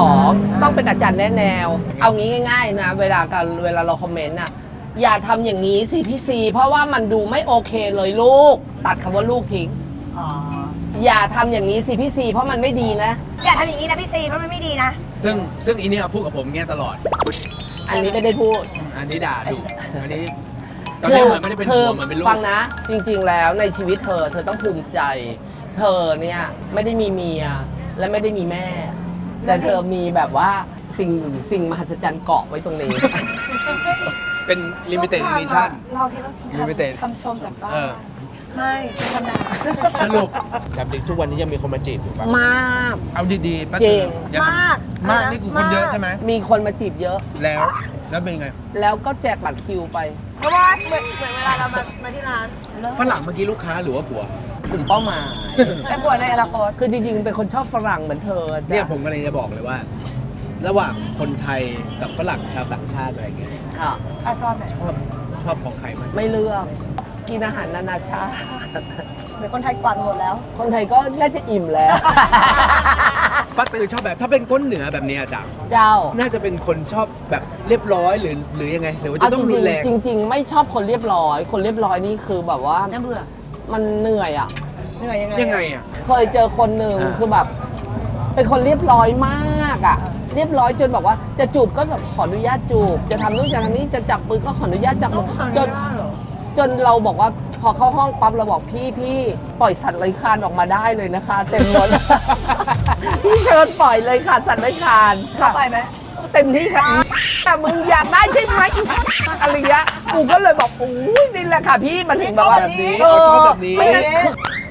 [SPEAKER 3] 2. ต้องเป็นอาจารย์แนะแนว เอางี้ง่ายๆนะเวลาเราคอมเมนต์อะอย่าทำอย่างนี้สิพี่ซีเพราะว่ามันดูไม่โอเคเลยลูก ตัดคำว่าลูกทิ้งอย่าทำอย่างนี้สิพี่ซีเพราะมันไม่ดีนะ
[SPEAKER 2] อย่าทำอย่างนี้นะพี่ซีเพราะมันไม่ดีนะ
[SPEAKER 1] ซึ่งอีเนี่ยพูดกับผมเงี้ยตลอด
[SPEAKER 3] อันนี้ไม่ได้พูด
[SPEAKER 1] อันนี้ด่าดุอันนี้ตอนนี้เหมือนไม่ได้เป็นผัวเหมือนเป็นลูก
[SPEAKER 3] ฟังนะ จริงๆแล้วในชีวิตเธอต้องภูมิใจ เธอเนี่ยไม่ได้มีเมียและไม่ได้มีแม่ แต่เธอมีแบบว่าสิ่งมหัศจรรย์เกาะไว้ตรงนี้
[SPEAKER 1] เป็น limited edition
[SPEAKER 2] เราที่เรา
[SPEAKER 1] limited
[SPEAKER 2] คำชมจากป้า
[SPEAKER 1] เออ
[SPEAKER 2] ไม่เป็นคำด่า
[SPEAKER 1] สรุปแบบทุกวันนี้ยังมีคนมาจีบอยู่ปะ
[SPEAKER 3] มาก
[SPEAKER 1] เอาดีๆป้า
[SPEAKER 3] จริง
[SPEAKER 1] ยัง
[SPEAKER 2] มาก
[SPEAKER 1] มากนี่คือคนเยอะใช่ไหม
[SPEAKER 3] มีคนมาจีบเยอะ
[SPEAKER 1] แล้วเป็นไง
[SPEAKER 3] แล้วก็แจกบัตรคิวไป
[SPEAKER 2] เพราะว่าเหมือนเวลาเรามาที่ร้าน
[SPEAKER 1] ฝรั่งเมื่อกี้ลูกค้าหรือว่าผัว
[SPEAKER 3] กลุ่มเป้าหมาย
[SPEAKER 2] แต่ปวดในอนาคต
[SPEAKER 3] คือจริงๆ เป็นคนชอบฝรั่งเหมือนเธอ
[SPEAKER 1] เนี่ย
[SPEAKER 3] จ้ะ
[SPEAKER 1] ผมกำลังจะบอกเลยว่า ระหว่างคนไทยกับฝรั่งชาวต่างชาติอะไรเงี้ย
[SPEAKER 3] อ่ะ
[SPEAKER 2] ป้าชอบไหน
[SPEAKER 1] ชอบของใครมาก
[SPEAKER 3] ไม่เลือกกินอาหารนานาชาติ
[SPEAKER 2] หรือคนไทยกวาดหมดแล้ว
[SPEAKER 3] คนไทยก็น่าจะอิ่มแล้ว
[SPEAKER 1] ป้าตือชอบแบบถ้าเป็นก้นเหนือแบบเนี้ยจ้ะ
[SPEAKER 3] เจ้า
[SPEAKER 1] น่าจะเป็นคนชอบแบบเรียบร้อยหรือยังไงหรือว่า
[SPEAKER 3] เอา
[SPEAKER 1] จะต้อง
[SPEAKER 3] จ
[SPEAKER 1] รุ
[SPEAKER 3] ริ
[SPEAKER 1] น
[SPEAKER 3] ง
[SPEAKER 1] แรง
[SPEAKER 3] ๆจริง ๆ ไม่ชอบคนเรียบร้อย คนเรียบร้อยนี่คือแบบว่า
[SPEAKER 2] น่าเบื่อ
[SPEAKER 3] มันเหนื่อยอ่ะ
[SPEAKER 2] เหนื่อยยังไง
[SPEAKER 1] ยังไงอ่ะ
[SPEAKER 3] เคยเจอคนหนึ่ง
[SPEAKER 1] อ่า
[SPEAKER 3] คือแบบ เป็นคนเรียบร้อยมากอ่ะ เรียบร้อยจนแบบว่าจะจูบก็แบบขออนุญาตจูบ จะทำนู่นจะทำนี่จะจับมือก็ขออนุญาตจับมือจนเราบอกว่าพอเข้าห้องปั๊บเราบอกพี่ปล่อยสัตว์เลื้อยคลานออกมาได้เลยนะคะ เต็มหมด พี่เชิญปล่อยเลยค่ะสัตว์เลื้อยคลาน
[SPEAKER 2] เข้าไปไหม
[SPEAKER 3] เต็มที่ค่ะแต่มึงอยากได้ใช่ไหมอะไรเงี้ยกูก็เลยบอกอุ้ยนี่แหละค่ะพี่มันถึงแบบว่า
[SPEAKER 1] เขาชอบแบบนี้
[SPEAKER 3] ไม่งั้นคือ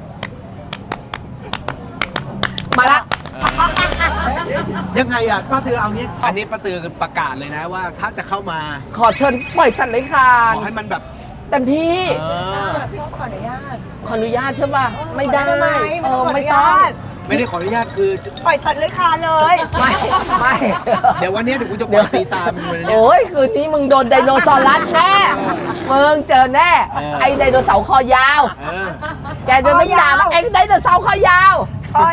[SPEAKER 3] มาละ
[SPEAKER 1] ยังไงอ่ะป้าตือเอางี้ อันนี้ป้าตือประกาศเลยนะว่าถ้าจะเข้ามา
[SPEAKER 3] ขอเชิญปล่อยสัตว์เลื้อยคลา
[SPEAKER 1] ข
[SPEAKER 3] น
[SPEAKER 1] อให้มันแบบ
[SPEAKER 3] เต็มที่
[SPEAKER 2] ชอบขออนุญาต
[SPEAKER 3] ขออนุญาตใช่ป่ะไม่ได้
[SPEAKER 2] ขอได้ไหม
[SPEAKER 3] ไม่ต้อง
[SPEAKER 1] ไม่ได้ขออนุญาตคือ
[SPEAKER 2] ปล่อยสัตว์เลื้อยคลานเลย
[SPEAKER 3] ไม่
[SPEAKER 1] เดี๋ยววันนี้เดี๋ยวกูจะปล่อยตีตามมึงเลยเนี่ย
[SPEAKER 3] โอ้ยคืนนี้มึงโดนไดโนเสาร์รัดแน่มึงเจอแน่ ไอ้ไดโนเสาร์คอยาว
[SPEAKER 1] เออ
[SPEAKER 3] แกจะต้องด่าว่าไอ้ไดโนเสาร์คอยาว
[SPEAKER 2] ปล่อย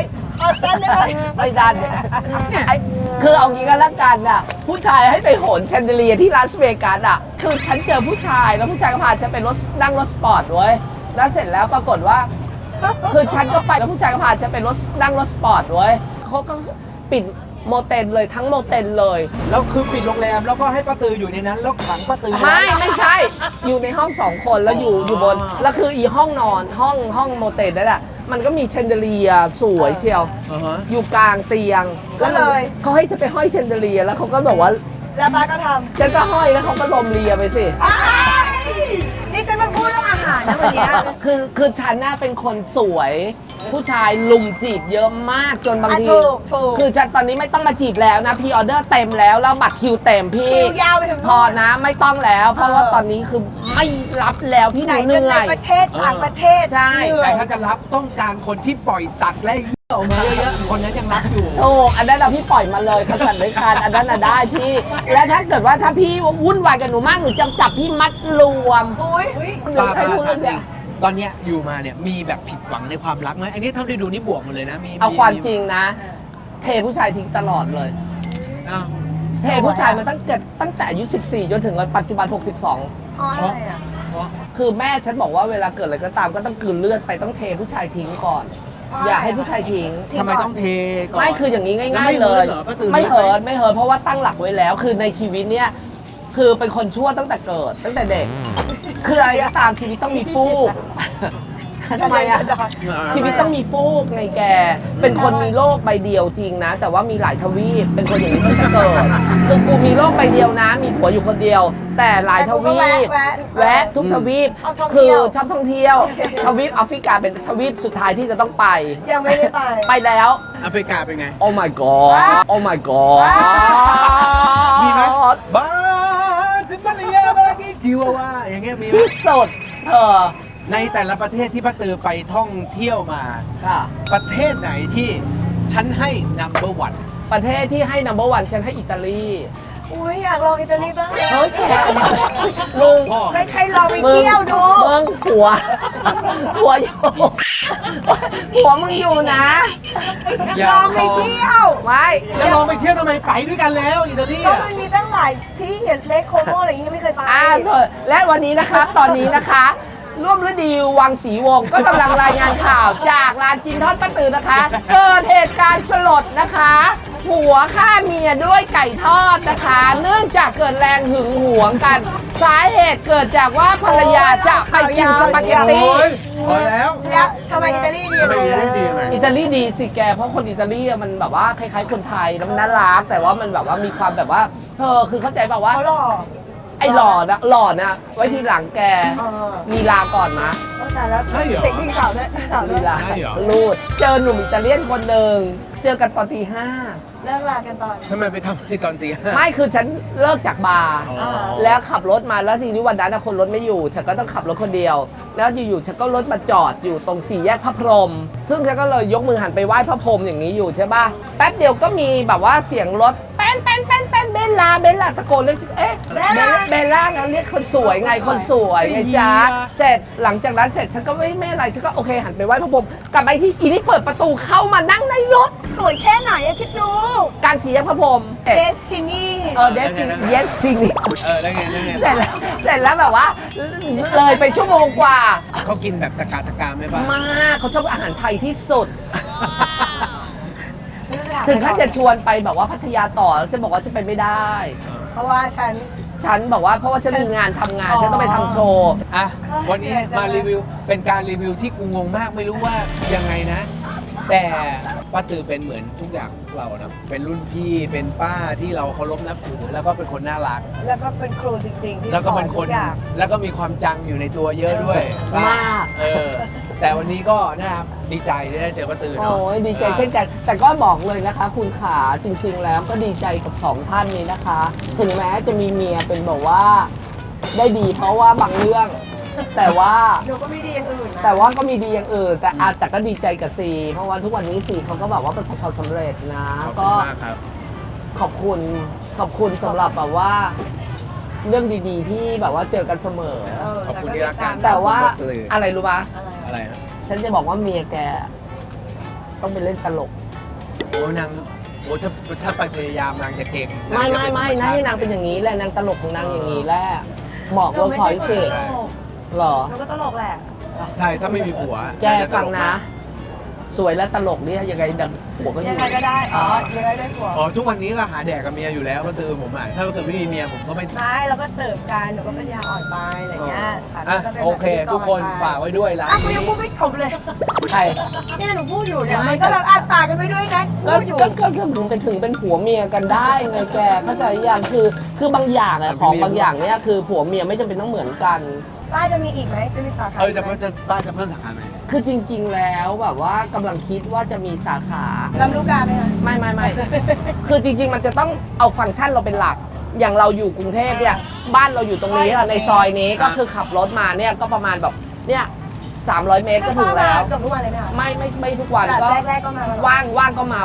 [SPEAKER 2] เอาสั้นได้ไหม
[SPEAKER 3] ไม่ดันไอ้คือเอางี้กันละกันน่ะผู้ชายให้ไปโหนแชนเดอเลียที่ลาสเวกัสอ่ะคือฉันเจอผู้ชายแล้วผู้ชายก็พาฉันไปนั่งรถสปอร์ตเว้ยแล้วเสร็จแล้วปรากฏว่า คือฉันก็ไปแล้วผู้ชายก็พาฉันไปนั่งรถสปอร์ตเว้ยเขาก็ปิดโมเตนเลยทั้งโมเตนเลย
[SPEAKER 4] แล้วคือปิดโรงแรมแล้วก็ให้ป้าตืออยู่ในนั้นแล้วขังป้าตือ
[SPEAKER 3] ไม่ใช่ อยู่ในห้องสองคนแล้วอยู่บนแล้วคืออีห้องนอนห้องโมเตนนั่นแหละมันก็มีแชนเดอเลียสวยเชียว
[SPEAKER 4] อ่าฮะ
[SPEAKER 3] อยู่กลางเตียง
[SPEAKER 2] ก็เลย
[SPEAKER 3] เขาให้ฉันไปห้อยแชนเดอเลียแล้วเขาก็บอกว่า
[SPEAKER 2] แล้วป้าก็ท
[SPEAKER 3] ฉันก็ห้อยแล้วเขาก็ลมเลียไปสิ
[SPEAKER 2] ำนี่ฉันมาพูดเรื่องอาหารนะวันเนี้ย
[SPEAKER 3] คือฉันน่ะเป็นคนสวย ผู้ชายลุมจีบเยอะมากจนบางที
[SPEAKER 2] ถูก
[SPEAKER 3] คือฉันตอนนี้ไม่ต้องมาจีบแล้วนะพรีออเดอร์เต็มแล้วบัตรคิวเต็มพี่
[SPEAKER 2] คิวยาวไปถึง
[SPEAKER 3] พอนะไม่ต้องแล้ว เพราะว่าตอนนี้คือไม่รับแล้วพี่ห
[SPEAKER 2] ไหน
[SPEAKER 3] นูเห
[SPEAKER 2] จะ
[SPEAKER 3] นื่
[SPEAKER 2] ใน
[SPEAKER 3] อย
[SPEAKER 2] ประเทศต่างประเทศ
[SPEAKER 3] ใช่
[SPEAKER 2] เหนื่อ
[SPEAKER 4] แต่
[SPEAKER 2] ย
[SPEAKER 4] ถ้าจะรับต้องการคนที่ปล่อยสัตว์และเหี้ยออกมาเยอะๆคนนั้นยังรับอยู่
[SPEAKER 3] โอ้อันนั้นเราพี่ปล่อยมาเลยขสันเลยคานอันนั้นน่ะได้พี่ และถ้าเกิดว่าถ้าพี่วุ่นวายกับหนูมากหนูจะจับพี่มัดรวม
[SPEAKER 2] อุ้ย
[SPEAKER 3] หนูให้พูดเรื่องเนี้ย
[SPEAKER 4] ตอนเนี้ยอยู่มาเนี่ยมีแบบผิดหวังในความรักไหมอันนี้เท่าที่ดูนี่บวกหมดเลยนะมี
[SPEAKER 3] เอาความจริงนะ เทผู้ชายทิ้งตลอดเลย
[SPEAKER 4] อ้าว
[SPEAKER 3] เทผู้ชายมาตั้งแต่อายุ14 จนถึงปัจจุบัน 62
[SPEAKER 2] อ๋ออะไรอ่ะ
[SPEAKER 4] เพราะ
[SPEAKER 3] คือแม่ฉันบอกว่าเวลาเกิดอะไรก็ตามก็ต้องกลืนเลือดไปต้องเทผู้ชายทิ้งก่อน อย่าให้ผู้ชายทิ้ง
[SPEAKER 4] ทำไมต้องเทก่อน
[SPEAKER 3] ไม่คืออย่างนี้
[SPEAKER 4] แล้ว
[SPEAKER 3] ง่า
[SPEAKER 4] ไม่
[SPEAKER 3] ยๆเลย
[SPEAKER 4] เหินเหรอป้าตือ
[SPEAKER 3] ไม่เหินเพราะว่าตั้งหลักไว้แล้ว คือในชีวิตเนี้ยคือเป็นคนชั่วตั้งแต่เกิดตั้งแต่เด็ก คืออะไรก็ตามชีวิตต้องมีฟูก ทำไมอะชีวิตต้องมีฟูกไงแก เป็นคนมีโลกใบเดียวจริงนะ แต่ว่ามีหลายทวีปเป็นคนอย่างนี้ตั้งแต่เกิดคือกูมีโลกใบเดียวนะ มีผัวอยู่คนเดียว แต่หลายทวีป แวะทุกทวีป
[SPEAKER 2] ชอบท่อง
[SPEAKER 3] คื
[SPEAKER 2] เที่
[SPEAKER 3] อ
[SPEAKER 2] ยว
[SPEAKER 3] ชอบท่องเที่ยวทวีปแอฟริกาเป็นทวีปสุดท้ายที่จะต้องไป
[SPEAKER 2] ยังไม่ได้ไป
[SPEAKER 3] ไปแล้ว
[SPEAKER 4] แอฟริกาเป็นไง
[SPEAKER 3] โอ้ my god โอ้ my god
[SPEAKER 4] มีไหมบ้าจิมาเลียบากิจิวาวาอย่างเงี้ยมีไหม
[SPEAKER 3] ที่สุดเ
[SPEAKER 4] ในแต่ละประเทศที่ป้าตือไปท่องเที่ยวมา
[SPEAKER 3] ค่ะ
[SPEAKER 4] ประเทศไหนที่ฉันให้ number one
[SPEAKER 3] ประเทศที่ให้ number one ฉันให้อิตาลี
[SPEAKER 2] อุ้ยอยากลองอิตาลีบ้าง
[SPEAKER 3] เฮ้ยแกมึง
[SPEAKER 4] พ่อ
[SPEAKER 2] ไม่ใช่ลองไปเที่ยวดู
[SPEAKER 3] มึงหัวอยู่หัวมึงอยู่นะ
[SPEAKER 4] อย่า
[SPEAKER 2] ลองไปเที่ยว
[SPEAKER 3] ไม่
[SPEAKER 4] จะลองไปเที่ยวทำไมไปด้วยกันแล้วอิตาลี
[SPEAKER 2] ก็
[SPEAKER 4] อะ
[SPEAKER 2] มันมีตั้งหลายที่เห็นเลคโคโมอะไรอย่างงี้ไม่เคยไป
[SPEAKER 3] เถอะและวันนี้นะครับ ตอนนี้นะคะ ร่วมฤดีวังศรีวงศ์ก็กำลังรายงานข่าวจากร้านจินทอดป้าตือนะคะ เกิดเหตุการณ์สลดนะคะผัวฆ่าเมียด้วยไก่ทอดนะคะ เนื่องจากเกิดแรงหึงหวงกัน สาเหตุเกิดจากว่าภรรยาจะไปกินสปาเกตตี้
[SPEAKER 4] โอ้ยพอแล้ว
[SPEAKER 2] แล้วทำไมอิตาลีดี
[SPEAKER 4] ทำไมอิตาลีดียังไง
[SPEAKER 3] อิตาลีดีสิแก เพราะคนอิตาลีอะมันแบบว่าคล้ายๆคนไทยแล้วมันน่ารักแต่ว่ามันแบบว่ามีความแบบว่าคือเข้าใจแบบว่า
[SPEAKER 2] เขาหล่อ
[SPEAKER 3] ไอ้หล่อนะไว้ทีหลังแก ลีลาก่อนนะ
[SPEAKER 2] ต้องแต่แล้ว
[SPEAKER 4] ใช่เหรอ
[SPEAKER 2] เด็กดีสาวด้วยดีสาวด้ว
[SPEAKER 3] ลี
[SPEAKER 2] ย
[SPEAKER 3] ลา
[SPEAKER 4] ใช่เหรอ
[SPEAKER 3] ลูดเจอหนุ่มอิตาเลียนคนหนึ่งเจอกันตอนตี 5
[SPEAKER 2] เลิกลากันตอน
[SPEAKER 4] ทำไมไปทำในตอนตีห้า
[SPEAKER 3] ไม่คือฉันเลิกจากบาร์
[SPEAKER 4] อ๋อ
[SPEAKER 3] แล้วขับรถมาแล้วทีนี้วันนั้นคนรถไม่อยู่ ฉันก็ต้องขับรถคนเดียว แล้วอยู่ๆฉันก็รถมาจอดอยู่ตรงสี่แยกพระพรหมซึ่งฉันก็เลยยกมือหันไปไหว้พระพรหมอย่างนี้อยู่ใช่ป่ะแป๊บเดียวก็มีแบบว่าเสียงรถแป้นเบลล่าตะโกนเรียกเอ๊ะเบลล่านะเรียกคนสวยไงคนสวยไงจ๊ะเสร็จหลังจากนั้นเสร็จฉันก็ไม่อะไรฉันก็โอเคหันไปไหว้พระพรหมกลับไปที่อีนี่เปิดประตูเข้ามานั่งในรถ
[SPEAKER 2] สวยแค่ไหนอะคิดดู
[SPEAKER 3] กลางสี่แยกพระพรหม
[SPEAKER 2] เดซินี่
[SPEAKER 3] เดซินี่
[SPEAKER 4] แล้วไง
[SPEAKER 3] เสร็จแล้วแบบว่าเลยไปชั่วโมงกว่า
[SPEAKER 4] เขากินแบบตะการไหมบ้าง
[SPEAKER 3] มากเขาชอบอาหารไทยที่สุด ถึงขั้นจะชวนไปแบบว่าพัทยาต่อแล้วฉันบอกว่าฉันไปไม่ได้
[SPEAKER 2] เพราะว่าฉัน
[SPEAKER 3] บอกว่าเพราะว่าฉันมีงานทำงาน
[SPEAKER 2] อ๋อ
[SPEAKER 3] ฉันต้องไปทำโชว์
[SPEAKER 4] อ่ะวันนี้มารีวิวเป็นการรีวิวที่กูงงมากไม่รู้ว่ายังไงนะ แต่ป้าตือเป็นเหมือนทุกอย่างเรานะเป็นรุ่นพี่เป็นป้าที่เราเคารพนับถือแล้วก็เป็นคนน่ารัก
[SPEAKER 2] แล้วก็เป็นครูจริงๆที่
[SPEAKER 4] แล้วก็เป็นคน
[SPEAKER 2] สอทุอย่าง
[SPEAKER 4] แล้วก็มีความจังอยู่ในตัวเยอะด้วย
[SPEAKER 3] มาก
[SPEAKER 4] แต่วันนี้ก็นะครับดีใจที่ได้เจอป้าตือเนาะ
[SPEAKER 3] โอ้ยดีใจเช่นกันแต่ก็บอกเลยนะคะคุณขาจริงๆแล้วก็ดีใจกับสองท่านนี้นะคะ ถึงแม้จะมีเมียเป็นแบบว่าได้ดีเพราะว่าบางเรื่อง แต่ว่า
[SPEAKER 2] หนูก็ไม่ดีอย่างอื่นนะ
[SPEAKER 3] แต่ว่าก็มีดีอย่างอื่นแต่ก็ดีใจกับซีเพราะว่าทุกวันนี้ซีเขาก็แบบว่าประสบความสำเร็จนะ
[SPEAKER 4] ขอบ
[SPEAKER 3] ก็
[SPEAKER 4] คุณมากครับ
[SPEAKER 3] ขอบคุณสำหรับแบบว่า เรื่องดีๆที่แบบว่าเจอกันเสมอ
[SPEAKER 4] ขอบคุณที่รักกัน
[SPEAKER 3] แต่ว่า
[SPEAKER 4] ขอบคุณ
[SPEAKER 3] อะไรรู้ปะ
[SPEAKER 2] อะไร
[SPEAKER 4] อะไรฮะ
[SPEAKER 3] ฉันจะบอกว่าเมียแกต้องไปเล่นตลก
[SPEAKER 4] โอ้นางโอ้ถ้าไปพยายามนางจะเก่ง
[SPEAKER 3] ไม่นะให้นางเป็นอย่างนี้แหละนางตลกของนางอย่างนี้แหละบอกเวิร์กพอยต์สิเหรอ
[SPEAKER 2] หนูก็ตลกแหละ
[SPEAKER 4] ใช่ถ้าไม่มีผัว
[SPEAKER 3] แกฟังนะ สวยและตลกเนี่ยยังไงดังผัวก็อ
[SPEAKER 2] ยั
[SPEAKER 3] ยู่
[SPEAKER 2] งไงก็ได้อ๋อยังไงได้ผัว
[SPEAKER 4] อ๋อทุกวันนี้ก็หาแดกกับเมียอยู่แล้วก็คือผมอ่ะถ้าเกิดไม่มีเมียผมก็ไม่
[SPEAKER 2] ไม่เราก็เสิร์ฟกันหนูก็เป็นยาอ่อนไปอะไรเงี้ยสามี
[SPEAKER 4] อ่ะ
[SPEAKER 2] ก็ป็น
[SPEAKER 4] โอเค
[SPEAKER 2] แบบ
[SPEAKER 4] ทุกคนฝากไว้ด้วยร้าน
[SPEAKER 2] อ่ะกู
[SPEAKER 4] นี้
[SPEAKER 2] ยังพูดไม่จบเลย
[SPEAKER 3] ใคร
[SPEAKER 2] เนี่ยหนูพูดอยู่เนี่ย
[SPEAKER 3] ไม่
[SPEAKER 2] มันก็แบบอ่านฝากกันไปด้วยนะ
[SPEAKER 3] ก็
[SPEAKER 2] พูดอยู่
[SPEAKER 3] ก็ถึงเป็นผัวเมียกันได้ไงแกเข้าใจยังคือบางอย่างอะของบางอย่างเนี่ยคือผัวเมียไม่จำเป็นต้องเหมือนกัน
[SPEAKER 2] ป้าจะมีอีกไหมจะมีสาขา
[SPEAKER 4] จะเพิ่มป้าจะเพิ่มสาขาไหม
[SPEAKER 3] คือจริง ๆ แล้วแบบว่ากำลังคิดว่าจะมีสาขา
[SPEAKER 2] ลำลูกกาไหมคะ
[SPEAKER 3] ไม่ คือจริง ๆ มันจะต้องเอาฟังก์ชันเราเป็นหลัก อย่างเราอยู่กรุงเทพเนี่ยบ้านเราอยู่ตรงนี้ค่ะในซอยนี้ก็คือขับรถมาเนี่ยก็ประมาณแบบเนี่ย300 เมตรก็ถึงแล้ว
[SPEAKER 2] เกือบทุกวันเลยไหมคะ
[SPEAKER 3] ไม่ทุกวันก็
[SPEAKER 2] แต่แรกๆก็มา
[SPEAKER 3] ว่างก็มา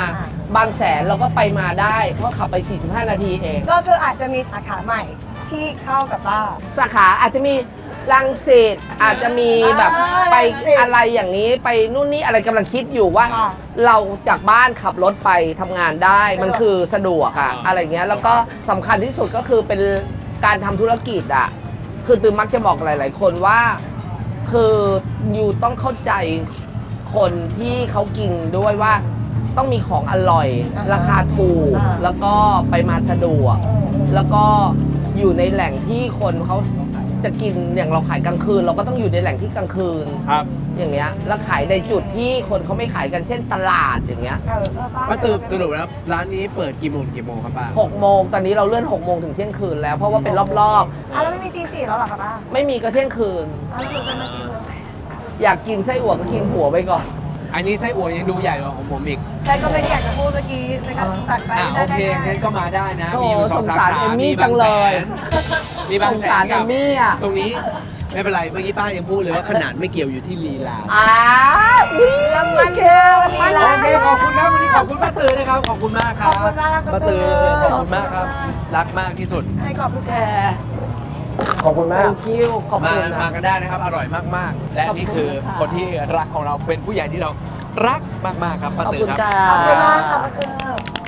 [SPEAKER 2] อ่า
[SPEAKER 3] บางแสนเราก็ไปมาได้เพราะขับไป 45 นาทีเอง
[SPEAKER 2] ก็คืออาจจะมีสาขาใหม่ที่เข้ากับป้า
[SPEAKER 3] สาขาอาจจะมีรังสิตอาจจะมีแบบไป
[SPEAKER 2] รังสิต
[SPEAKER 3] อะไรอย่างนี้ไปนู่นนี่อะไรกำลังคิดอยู่ว่า
[SPEAKER 2] ค่ะ
[SPEAKER 3] เราจากบ้านขับรถไปทำงานได้มันคือสะดวกอะอะไรเงี้ยแล้วก็สำคัญที่สุดก็คือเป็นการทำธุรกิจอะคือตือมักจะบอกหลาย ๆ คนว่า คืออยู่ต้องเข้าใจคนที่เขากินด้วยว่าต้องมีของอร่อย ราคาถูก แล้วก็ไปมาสะดวก แล้วก็อยู่ในแหล่งที่คนเขาจะกินอย่างเราขายกลางคืน เราก็ต้องอยู่ในแหล่งที่กลางคืน
[SPEAKER 4] ครับ
[SPEAKER 3] อย่างเงี้ยแล้วขายในจุดที่คนเขาไม่ขายกันเช่นตลาดอย่างเงี้ย
[SPEAKER 4] ป้าตื่นสรุปแล้วร้านนี้เปิดกี่โมงครับป้า
[SPEAKER 3] 6 โมงตอนนี้เราเลื่อน6 โมงถึงเที่ยงคืนแล้วเพราะว่าเป็นรอบ
[SPEAKER 2] แล้วไม่มีตีสี่แล้วเหรอคะป้า
[SPEAKER 3] ๆ ไม่มีก็เที่ยงคืน
[SPEAKER 2] แล้วหนูจะมากินเลย
[SPEAKER 3] อยากกินไส้อั่วก็กินหัวไปก่อน
[SPEAKER 4] อันนี้ไส้อั่วยังดูใหญ่กว่าของผมอีก
[SPEAKER 2] ฉันก็ไม่ได้อยากจะพูดเมื่อกี้ฉันก็ตัดไป
[SPEAKER 4] โอเคงั้นก็มาได้นะ มีอยู่
[SPEAKER 3] โอ้
[SPEAKER 4] สอง
[SPEAKER 3] สง
[SPEAKER 4] สา
[SPEAKER 3] สาร
[SPEAKER 4] ขา
[SPEAKER 3] เอมมี่
[SPEAKER 4] มี
[SPEAKER 3] จังเลย
[SPEAKER 4] มีบางแส
[SPEAKER 3] สงสาร
[SPEAKER 4] น
[SPEAKER 3] เอ
[SPEAKER 4] กับ
[SPEAKER 3] มมี่อ่ะ
[SPEAKER 4] ตรงนี้ไม่เป็นไรเมื่อกี้ป้ายังพูดเลยว่าขนาดไม่เกี่ยวอยู่ที่ลีลา
[SPEAKER 3] อุ้ย
[SPEAKER 2] รางวัล
[SPEAKER 3] เก
[SPEAKER 2] ค่ะ
[SPEAKER 3] ล
[SPEAKER 2] วันนี้
[SPEAKER 4] โอเคขอบคุณครับวันนี้ขอบคุณป้าตือนะครับ ขอบคุณมากครับ
[SPEAKER 2] ขอบคุณมากครับ
[SPEAKER 4] ป้าตือ
[SPEAKER 2] ป้า
[SPEAKER 4] ข
[SPEAKER 2] ตือ
[SPEAKER 4] อบคุณมากครับ รักมากที่สุด
[SPEAKER 2] ให้ขอบคุณ
[SPEAKER 3] แช
[SPEAKER 2] ค่ะ
[SPEAKER 3] ร์
[SPEAKER 4] ขอบคุณมาก
[SPEAKER 3] thank you ขอบ
[SPEAKER 4] มา
[SPEAKER 3] คุณนะ
[SPEAKER 4] มากันได้นะครับ อร่อยมากๆ และนี่คือ
[SPEAKER 3] ขอบคุณค่ะ
[SPEAKER 4] คนที่รักของเราเป็นผู้ใหญ่ที่เรารักมากๆครับป้า
[SPEAKER 3] ขอบ
[SPEAKER 4] ตือ
[SPEAKER 3] คุณ
[SPEAKER 4] ครับ
[SPEAKER 3] ค่ะ
[SPEAKER 2] ขอบคุณมากค่ะป้าตือ